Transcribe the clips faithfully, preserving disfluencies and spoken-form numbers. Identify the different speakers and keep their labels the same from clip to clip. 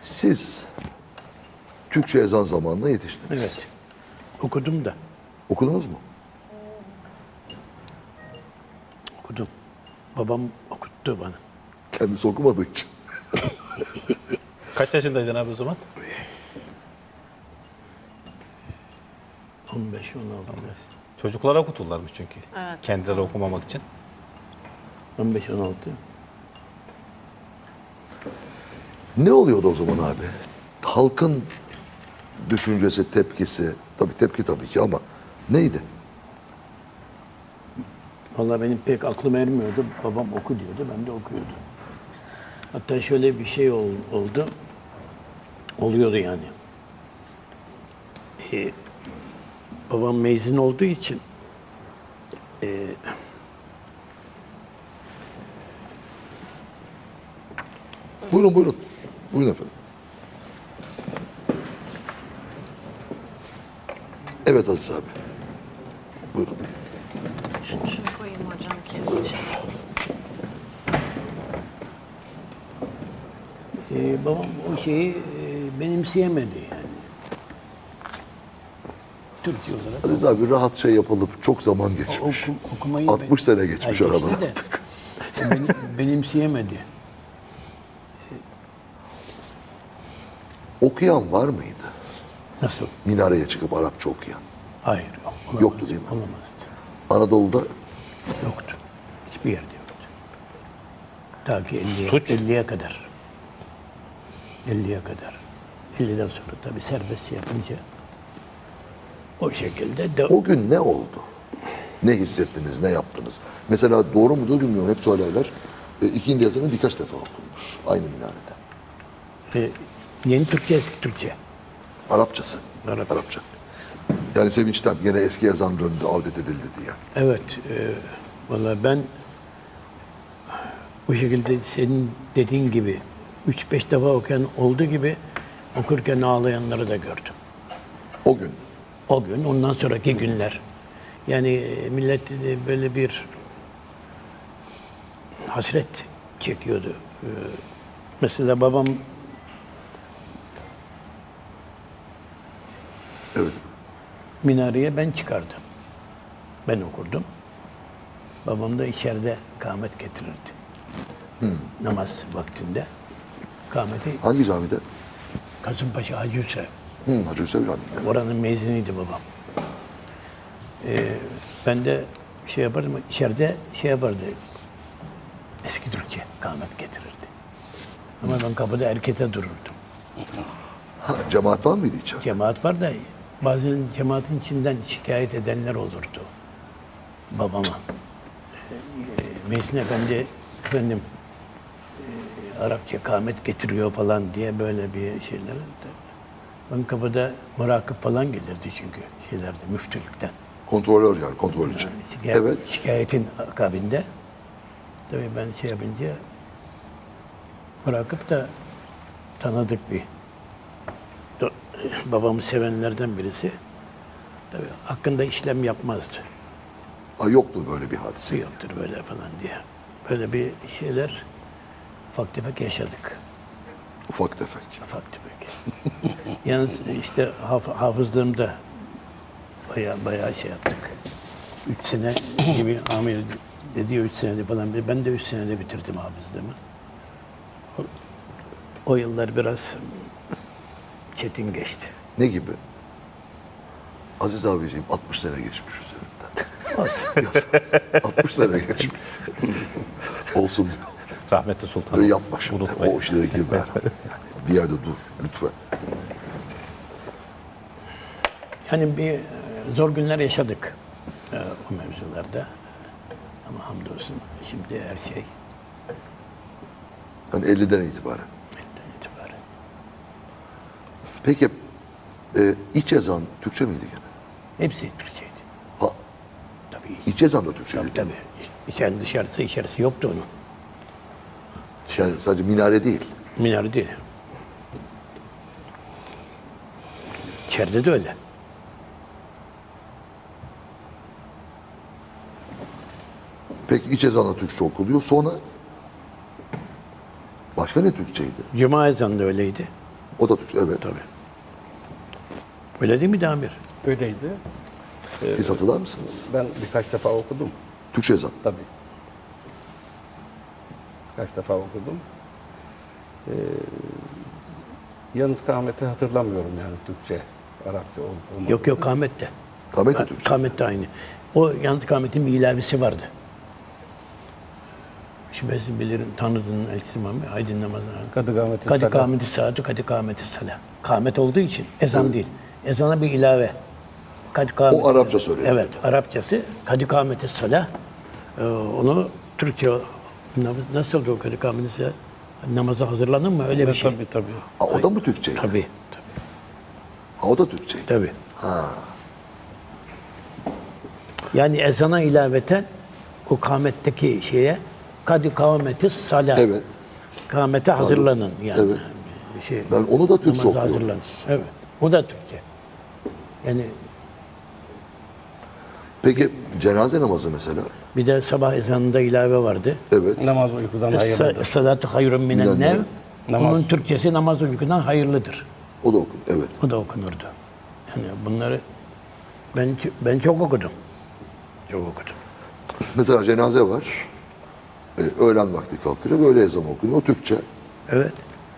Speaker 1: Siz Türkçe ezan zamanına yetiştiniz.
Speaker 2: Evet. Okudum da.
Speaker 1: Okudunuz mu?
Speaker 2: Okudum. Babam okuttu bana.
Speaker 1: Kendisi okumadığı için.
Speaker 3: Kaç yaşındaydın abi o zaman?
Speaker 2: on beş on altı.
Speaker 3: Çocuklara okuturlarmış çünkü.
Speaker 4: Evet.
Speaker 3: Kendileri okumamak için.
Speaker 2: on beş on altı.
Speaker 1: Ne oluyordu o zaman abi? Halkın düşüncesi, tepkisi, tabii tepki tabii ki ama neydi?
Speaker 2: Vallahi benim pek aklım ermiyordu. Babam oku diyordu, ben de okuyordum. Hatta şöyle bir şey ol- oldu. Oluyordu yani. Ee, babam mezun olduğu için e,
Speaker 1: Buyurun buyurun. Buyurun efendim. Evet Aziz abi. Buyurun.
Speaker 4: Şunu, şunu koyayım hocam kendi için.
Speaker 2: e, babam o şeyi e, benimseyemedi yani. Türkçe olarak.
Speaker 1: Aziz abi rahatça yapılıp çok zaman geçmiş.
Speaker 2: Oku, okumayı
Speaker 1: altmış sene geçmiş
Speaker 2: Ay,
Speaker 1: aradan
Speaker 2: geçti de,
Speaker 1: artık.
Speaker 2: beni, benimseyemedi.
Speaker 1: Okuyan var mıydı?
Speaker 2: Nasıl?
Speaker 1: Minareye çıkıp Arapça okuyan.
Speaker 2: Hayır yok. Olamaz,
Speaker 1: Yoktu değil mi?
Speaker 2: Olamazdı.
Speaker 1: Anadolu'da
Speaker 2: Yoktu. Hiçbir yerde yoktu. Ta ki elliye,
Speaker 3: Suç.
Speaker 2: elliye kadar. elliye kadar. elliden sonra tabii serbest yapınca o şekilde de
Speaker 1: o gün ne oldu? Ne hissettiniz, ne yaptınız? Mesela doğru mudur bilmiyorum, hep söylerler. E, ikindi yazını birkaç defa okunmuş aynı minarede.
Speaker 2: e, yeni Türkçe, eski Türkçe.
Speaker 1: Arapçası.
Speaker 2: Arapça.
Speaker 1: Arapça. Yani sevinçten yine eski yazan döndü, avdet edildi diye.
Speaker 2: Evet. E, vallahi ben bu şekilde senin dediğin gibi üç beş defa okuyan olduğu gibi okurken ağlayanları da gördüm.
Speaker 1: O gün.
Speaker 2: O gün, ondan sonraki günler. Yani e, millet e, böyle bir hasret çekiyordu. Ee, Mesela babam
Speaker 1: Evet.
Speaker 2: minareye ben çıkardım. Ben okurdum. Babam da içeride kâhmet getirirdi. Namaz vaktinde. Kâhmeti
Speaker 1: Hangi camide?
Speaker 2: Kasımpaşa Hacı Hüseyin.
Speaker 1: Hı, Hacı Hüseyin Camii'nde.
Speaker 2: Oranın mezunuydu babam. Ee, ben de şey yapardım, içeride şey yapardı. Eski Türkçe kâhmet getirirdi. Ama ben kapıda erkete dururdum.
Speaker 1: Ha, cemaat var mıydı içeride?
Speaker 2: Cemaat var da bazen cemaatin içinden şikayet edenler olurdu babama. Ee, Mezun Efendi, efendim e, Arapça kâhmet getiriyor falan diye böyle bir şeyler. Ben kapıda murakip falan gelirdi çünkü şeylerde, müftülükten.
Speaker 1: Kontrolör yani, kontrolcü.
Speaker 2: Şikayet,
Speaker 1: Evet.
Speaker 2: Şikayetin akabinde. Tabii ben şey yapınca murakip da tanıdık bir do- babamı sevenlerden birisi. Tabii hakkında işlem yapmazdı.
Speaker 1: Ha, yoktu böyle bir hadise.
Speaker 2: Yoktur böyle falan diye. Böyle bir şeyler ufak tefek yaşadık.
Speaker 1: Ufak tefek.
Speaker 2: Ufak tefek. Yalnız işte haf- hafızlığımda bayağı bayağı şey yaptık. Üç sene gibi amir dedi ya üç senede falan. Ben de üç senede bitirdim hafızlığımı. O, o yıllar biraz çetin geçti.
Speaker 1: Ne gibi? Aziz abiciğim altmış sene geçmiş üzerinden.
Speaker 2: Olsun.
Speaker 1: altmış sene geçmiş. Olsun.
Speaker 3: Rahmetli Sultan.
Speaker 1: Öyle yapma şimdi.
Speaker 3: Unutmayın.
Speaker 1: O işlere girme. Yani bir yerde dur lütfen.
Speaker 2: Yani bir e, zor günler yaşadık e, o mevzularda. Ama hamdolsun şimdi her şey
Speaker 1: Yani elliden itibaren.
Speaker 2: elinden itibaren.
Speaker 1: Peki e, iç ezan Türkçe miydi gene?
Speaker 2: Hepsi Türkçeydi.
Speaker 1: Ha,
Speaker 2: Tabii.
Speaker 1: iç ezan da Türkçeydi.
Speaker 2: Tabii tabii. İçerisi dışarısı içerisi yoktu onun.
Speaker 1: Yani sadece minare değil.
Speaker 2: Minare değil. İçeride de öyle.
Speaker 1: Peki iç ezanla Türkçe okuluyor. Sonra başka ne Türkçeydi?
Speaker 2: Cuma ezanı da öyleydi.
Speaker 1: O da Türkçe, evet.
Speaker 2: Tabii. Öyle değil mi Damir?
Speaker 5: Öyleydi.
Speaker 1: Siz hatırlar mısınız?
Speaker 5: Ben birkaç defa okudum.
Speaker 1: Türkçe ezan.
Speaker 5: Tabii. Birkaç defa okudum. Ee, yalnız kâmeti hatırlamıyorum yani Türkçe, Arapça olup olmadığını.
Speaker 2: Yok yok Kamet de.
Speaker 1: Kamet de Türkçe.
Speaker 2: Kamet de aynı. O yalnız Kamet'in bir ilavesi vardı. Şüphesiz bilirim tanıdığın elçisi Muhammed Aydın namazına.
Speaker 5: Kadı kâmeti
Speaker 2: Kadı
Speaker 5: salat.
Speaker 2: kâmeti salatü, kadı kâmeti salah. Kâmet olduğu için ezan değil. Ezana bir ilave. Kadı kâmeti
Speaker 1: O Arapça
Speaker 2: salah.
Speaker 1: söyleniyor.
Speaker 2: Evet, Arapçası kadı kâmeti salah. Ee, onu Türkçe nasıl oldu o kadı kâmeti salah? Namaza hazırlanır mı? Öyle bir şey.
Speaker 5: Tabii tabii.
Speaker 1: Ha, o da mı Türkçe?
Speaker 2: Tabii. Tabii.
Speaker 1: Ha, o da Türkçe.
Speaker 2: Tabii. Yani ezana ilaveten o kâmetteki şeye kadı kâmeti salah.
Speaker 1: Evet.
Speaker 2: Kâmete hazırlanın yani.
Speaker 1: Evet.
Speaker 2: Şey,
Speaker 1: Ben onu da Türkçe
Speaker 2: namaza
Speaker 1: okuyorum.
Speaker 2: hazırlanın. Evet. O da Türkçe. Yani
Speaker 1: Peki cenaze namazı mesela?
Speaker 2: bir de sabah ezanında ilave vardı.
Speaker 1: Evet.
Speaker 5: Namaz uykudan hayırlıdır.
Speaker 2: Salatu hayrun minen
Speaker 1: Minen
Speaker 2: nev.
Speaker 1: nev.
Speaker 5: Namaz.
Speaker 2: Onun Türkçesi namaz uykudan hayırlıdır.
Speaker 1: O da okun. Evet.
Speaker 2: O da okunurdu. Yani bunları ben ben çok okudum. Çok okudum.
Speaker 1: Mesela cenaze var. Ee, öğlen vakti kalkıyor. Böyle ezan okunuyor. O Türkçe.
Speaker 2: Evet.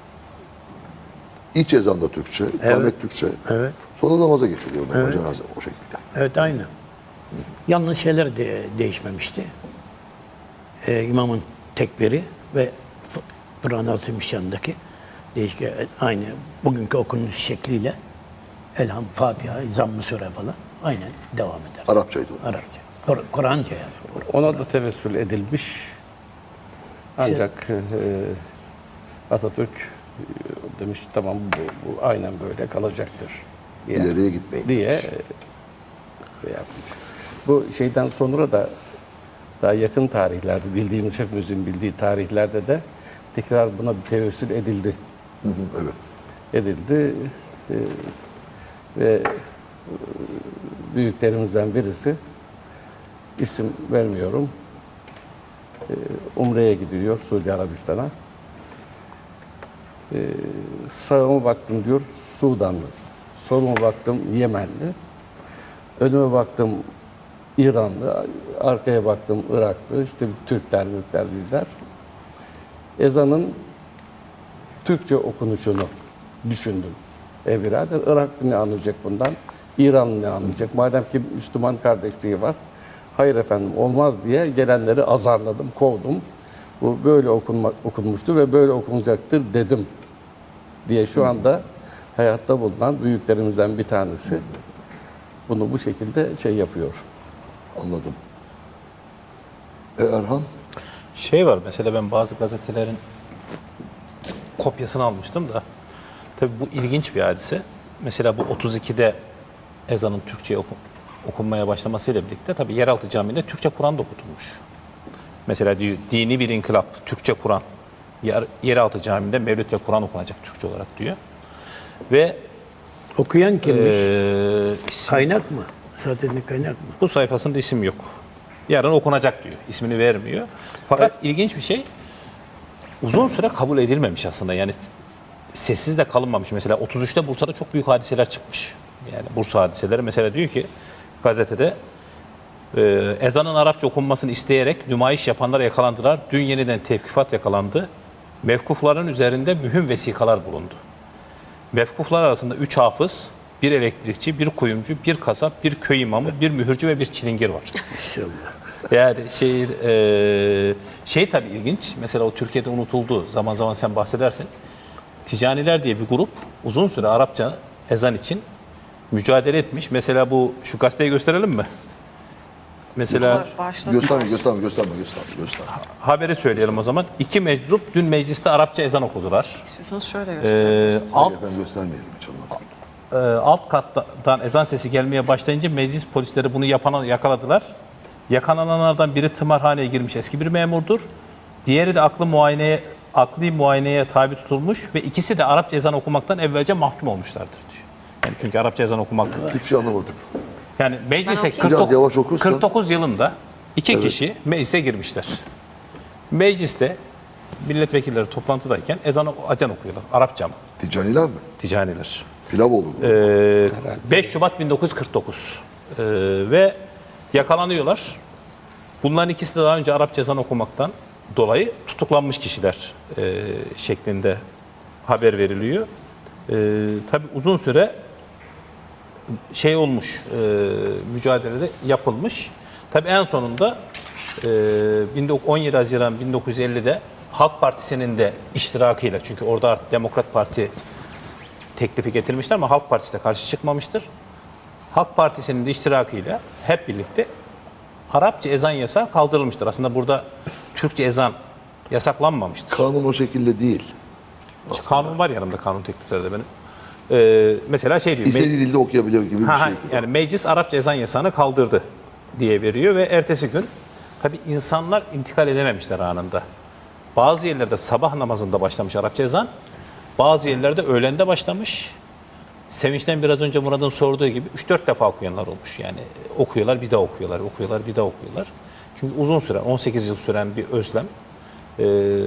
Speaker 1: İç ezan da Türkçe. Kamet Türkçe.
Speaker 2: Evet.
Speaker 1: Sonra namaza geçiliyor. Evet. Cenaze o şekilde.
Speaker 2: Evet aynı. Yalnız şeyler de değişmemişti. Ee, imamın tekbiri ve F- Kur'an-ı Azimüşşan'daki değişik aynı bugünkü okunuş şekliyle Elham, Fatiha, Zamm-ı Sure falan aynen devam eder.
Speaker 1: Arapçaydı o.
Speaker 2: Arapça. Kur- Kur'anca yani. Kur-
Speaker 5: Ona da tevessül edilmiş. Ancak e, Atatürk e, demiş tamam bu, bu aynen böyle kalacaktır diye,
Speaker 1: İleriye gitmeyin.
Speaker 5: diye e, şey yapmış. Bu şeyden sonra da daha yakın tarihlerde bildiğimiz hepimizin bildiği tarihlerde de tekrar buna bir tevessül edildi.
Speaker 1: Hı hı, evet.
Speaker 5: edildi E, ve e, büyüklerimizden birisi isim vermiyorum. E, Umre'ye gidiyor Suudi Arabistan'a. E, sağıma baktım diyor Sudanlı. Soluma baktım Yemenli. Önüme baktım İranlı. Arkaya baktım Iraklı. İşte Türkler, Mürkler, bizler. Ezanın Türkçe okunuşunu düşündüm. E birader Iraklı ne anlayacak bundan? İranlı ne anlayacak? Madem ki Müslüman kardeşliği var. Hayır efendim olmaz diye gelenleri azarladım, kovdum. Bu böyle okunma, okunmuştu ve böyle okunacaktır dedim diye şu anda hayatta bulunan büyüklerimizden bir tanesi bunu bu şekilde şey yapıyor.
Speaker 1: Anladım. E Erhan?
Speaker 3: Şey var mesela ben bazı gazetelerin kopyasını almıştım da tabii bu ilginç bir hadise. Mesela bu otuz ikide ezanın Türkçe oku, okunmaya başlamasıyla birlikte tabii yeraltı camiinde Türkçe Kur'an da okutulmuş. Mesela diyor dini bir inkılap, Türkçe Kur'an. Yer, yeraltı camide Mevlüt ve Kur'an okunacak Türkçe olarak diyor. Ve
Speaker 2: Okuyan kimmiş?
Speaker 3: eee, isim-
Speaker 2: Kaynak mı? Zaten kaynak mı?
Speaker 3: bu sayfasında isim yok. Yarın okunacak diyor. İsmini vermiyor. Fakat ilginç bir şey uzun süre kabul edilmemiş aslında. Yani sessiz de kalınmamış. Mesela otuz üçte Bursa'da çok büyük hadiseler çıkmış. Yani Bursa hadiseleri. Mesela diyor ki gazetede e, ezanın Arapça okunmasını isteyerek nümayiş yapanlar yakalandılar. Dün yeniden tevkifat yakalandı. Mevkufların üzerinde mühim vesikalar bulundu. Mevkuflar arasında üç hafız, bir elektrikçi, bir kuyumcu, bir kasap, bir köy imamı, bir mühürcü ve bir çilingir var.
Speaker 2: İnşallah.
Speaker 3: Yani şey, e, şey tabii ilginç. Mesela o Türkiye'de unutuldu. Zaman zaman sen bahsedersin. Ticaniler diye bir grup uzun süre Arapça ezan için mücadele etmiş. Mesela bu şu gazeteyi gösterelim mi? Mesela
Speaker 4: Başladı.
Speaker 1: Gösterme, gösterme, gösterme, gösterme, gösterme.
Speaker 3: haberi söyleyelim o zaman. İki meczup dün mecliste Arapça ezan okudular.
Speaker 4: İstiyorsanız şöyle
Speaker 3: Ee,
Speaker 4: gösterebiliriz.
Speaker 3: alt
Speaker 1: Efendim göstermeyelim hiç olmadı.
Speaker 3: e, alt kattan ezan sesi gelmeye başlayınca meclis polisleri bunu yapana yakaladılar. Yakalananlardan biri tımarhaneye girmiş eski bir memurdur. Diğeri de aklı muayeneye akli muayeneye tabi tutulmuş ve ikisi de Arapça ezan okumaktan evvelce mahkum olmuşlardır diyor. Yani çünkü Arapça ezan okumak
Speaker 1: Hiçbir şey anlamadım.
Speaker 3: yani meclise
Speaker 4: okuyayım.
Speaker 1: Biraz
Speaker 3: kırk dokuz,
Speaker 1: yavaş okursan.
Speaker 3: kırk dokuz yılında iki kişi meclise girmişler. Mecliste milletvekilleri toplantıdayken ezan, ezan okuyorlar. Arapça mı?
Speaker 1: Ticaniler mi?
Speaker 3: Ticaniler.
Speaker 1: Pilavoğlu.
Speaker 3: Ee, beş Şubat bin dokuz yüz kırk dokuz. Ee, ve yakalanıyorlar. Bunların ikisi de daha önce Arapça ezan okumaktan dolayı tutuklanmış kişiler e, şeklinde haber veriliyor. E, tabii uzun süre şey olmuş, e, mücadelede yapılmış. Tabii en sonunda e, on yedi Haziran bin dokuz yüz ellide Halk Partisi'nin de iştirakıyla, çünkü orada artık Demokrat Parti teklifi getirmişler ama Halk Partisi de karşı çıkmamıştır. Halk Partisi'nin de iştirakıyla hep birlikte Arapça ezan yasağı kaldırılmıştır. Aslında burada Türkçe ezan yasaklanmamıştır.
Speaker 1: Kanun o şekilde değil.
Speaker 3: Kanun var yanımda, kanun teklifleri de benim. Ee, mesela şey diyor.
Speaker 1: İstediği dilde okuyabiliyor gibi bir
Speaker 3: Ha, ha,
Speaker 1: şey.
Speaker 3: yani meclis Arapça ezan yasağını kaldırdı diye veriyor ve ertesi gün tabii insanlar intikal edememişler anında. Bazı yerlerde sabah namazında başlamış Arapça ezan, bazı yerlerde öğlende başlamış. Sevinçten biraz önce Murat'ın sorduğu gibi üç dört defa okuyanlar olmuş. Yani okuyorlar, bir daha okuyorlar, okuyorlar, bir daha okuyorlar. Çünkü uzun süren, on sekiz yıl süren bir özlem. Ee,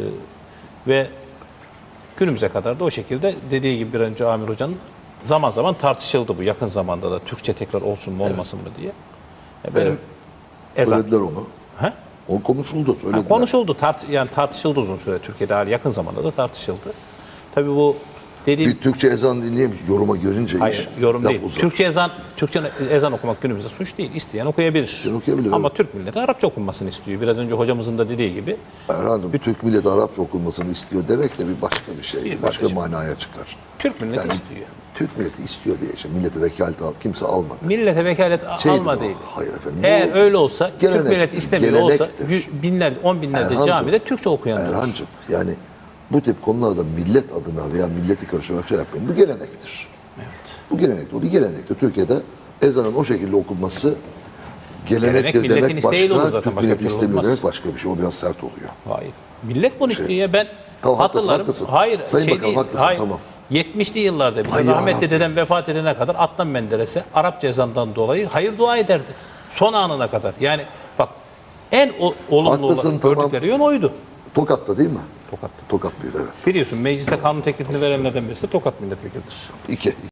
Speaker 3: ve günümüze kadar da o şekilde dediği gibi bir önce Amir Hoca'nın zaman zaman tartışıldı bu yakın zamanda da Türkçe tekrar olsun mu olmasın mı diye. Yani benim ezan.
Speaker 1: Söylediler onu.
Speaker 3: He?
Speaker 1: O konuşuldu, söylediler.
Speaker 3: Ha, konuşuldu, tart yani tartışıldı uzun süre Türkiye'de, hali yakın zamanda da tartışıldı. Tabii bu dediğim
Speaker 1: Bir Türkçe ezan dinleyemiş, yoruma girince
Speaker 3: hayır
Speaker 1: iş.
Speaker 3: yorum
Speaker 1: laf
Speaker 3: değil.
Speaker 1: uzar.
Speaker 3: Türkçe ezan, Türkçe ezan okumak günümüzde suç değil. İsteyen okuyabilir.
Speaker 1: İsteyen okuyabilir,
Speaker 3: Ama
Speaker 1: evet.
Speaker 3: Türk milleti Arapça okunmasını istiyor. Biraz önce hocamızın da dediği gibi.
Speaker 1: Erhan'cığım, Türk milleti Arapça okunmasını istiyor demek de bir başka bir şey.
Speaker 3: Bir
Speaker 1: başka
Speaker 3: kardeşim.
Speaker 1: manaya çıkar.
Speaker 3: Türk milleti
Speaker 1: Yani
Speaker 3: istiyor.
Speaker 1: Türk milleti istiyor diye işte milleti vekalet al, kimse almadı.
Speaker 3: Millete vekalet a-
Speaker 1: Şeydir
Speaker 3: alma
Speaker 1: o,
Speaker 3: değil.
Speaker 1: hayır efendim,
Speaker 3: Eğer
Speaker 1: bu
Speaker 3: öyle olsa, Türk
Speaker 1: gelenektir,
Speaker 3: milleti istemiyor olsa
Speaker 1: gelenektir.
Speaker 3: yü- binlerce, on binlerce
Speaker 1: Erhancığım,
Speaker 3: camide Türkçe okuyan olur.
Speaker 1: Erhan'cığım yani bu tip konularda millet adına veya milleti karıştırarak şey yapmayın. Bu gelenektir. Bu gelenektir. O bir gelenektir. Türkiye'de ezanın o şekilde okunması gelenektir
Speaker 3: Gelenek milletin
Speaker 1: demek
Speaker 3: isteğiyle olur
Speaker 1: başka,
Speaker 3: zaten,
Speaker 1: Türk
Speaker 3: başka
Speaker 1: milleti
Speaker 3: türlü
Speaker 1: istemiyor
Speaker 3: olmaz.
Speaker 1: demek başka bir şey. O biraz sert oluyor.
Speaker 3: Hayır. Millet bunu istiyor ya. Ben
Speaker 1: Tamam, haklısın,
Speaker 3: hatırlarım.
Speaker 1: haklısın.
Speaker 3: Hayır,
Speaker 1: Sayın
Speaker 3: şey
Speaker 1: Bakanım,
Speaker 3: değil.
Speaker 1: haklısın,
Speaker 3: Hayır.
Speaker 1: tamam.
Speaker 3: yetmişli yıllarda bile
Speaker 1: Ay ya
Speaker 3: rahmetli
Speaker 1: Rabbi.
Speaker 3: dedem vefat edene kadar Adnan Menderes'e Arapça ezandan dolayı hayır dua ederdi. Son anına kadar. Yani bak en o, olumlu
Speaker 1: Haklısın,
Speaker 3: olarak
Speaker 1: tamam.
Speaker 3: gördükleri yön oydu.
Speaker 1: Tokat'ta değil mi?
Speaker 3: Tokat'ta.
Speaker 1: Tokat bir evet.
Speaker 3: Biliyorsun mecliste kanun teklifini verenlerden birisi de Tokat milletvekilidir.
Speaker 1: İki.